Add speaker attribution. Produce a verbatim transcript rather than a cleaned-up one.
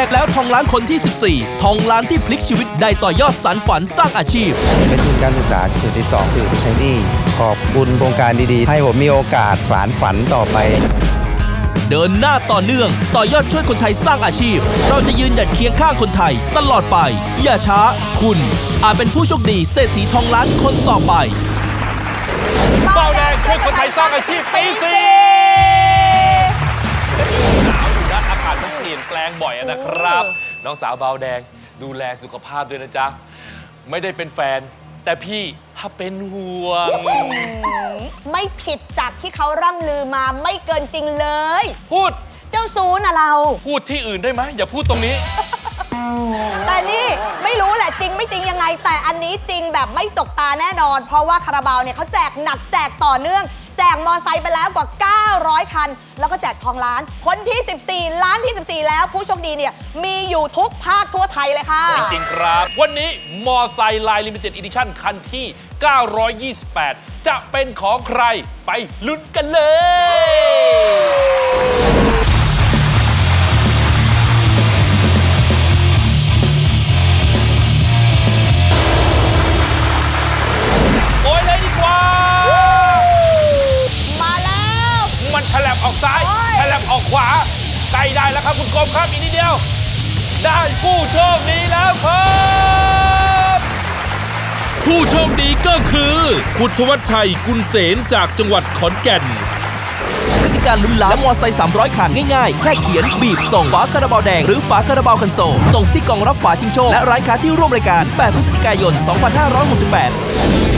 Speaker 1: กแล้วทองล้านคนที่สิบสี่ทองล้านที่พลิกชีวิตได้ต่อยอดสานฝันสร้างอาชีพ
Speaker 2: เป็นทุนการศึกษาจุดที่สองคือไปใช้หนี้ขอบคุณโครงการดีๆให้ผมมีโอกาสสานฝันต่อไป
Speaker 1: เดินหน้าต่อเนื่องต่อยอดช่วยคนไทยสร้างอาชีพเราจะยืนหยัดเคียงข้างคนไทยตลอดไปอย่าช้าคุณอาจเป็นผู้โชคดีเศรษฐีทองล้านคนต่อไป
Speaker 3: เบาแดงช่วยคนไทยสร้างอาชีพปีสี่หนาวอยู่นะอากาศมันเปลี่ยนแปลงบ่อยนะครับน้องสาวเบาแดงดูแลสุขภาพด้วยนะจ๊ะไม่ได้เป็นแฟนแต่พี่ถ้าเป็นห่วง
Speaker 4: ไม่ผิดจากที่เขาร่ำลือมาไม่เกินจริงเลย
Speaker 3: พูด
Speaker 4: เจ้าซูนะเรา
Speaker 3: พูดที่อื่นได้ไหมอย่าพูดตรงนี้
Speaker 4: แต่นี่ไม่รู้แหละจริงไม่จริงยังไงแต่อันนี้จริงแบบไม่ตกตาแน่นอนเพราะว่าคาราบาวเนี่ยเขาแจกหนักแจกต่อเนื่องแจกมอไซค์ไปแล้วกว่าเก้าร้อยคันแล้วก็แจกทองล้านคนที่สิบสี่ล้านที่สิบสี่แล้วผู้โชคดีเนี่ยมีอยู่ทุกภาคทั่วไทยเลยค่ะ
Speaker 3: จริงๆครับวันนี้มอไซค์ไลน์ลิมิเต็ดอีดิชั่นคันที่เก้าร้อยยี่สิบแปดจะเป็นของใครไปลุ้นกันเลยโอ้ยเลยดีกว่า
Speaker 4: มาแล้ว
Speaker 3: มันฉลับออกซ้ายฉลับออกขวาใกล้ได้แล้วครับคุณกรมครับอีกนิดเดียวได้ผู้โชคดีแล้วครับ
Speaker 1: ผู้โชคดีก็คือคุณธวัชชัยกุลเสนจากจังหวัดขอนแก่นกติกาลุ้นล้านและมอไซค์สามร้อยคันง่ายๆแค่เขียนบีบส่งฝาคาราบาวแดงหรือฝาคาราบาวคันโซลตรงที่กล่องรับฝาชิงโชคและร้านค้าที่ร่วมรายการแปดพฤศจิกายนสองพันห้าร้อยหกสิบแปด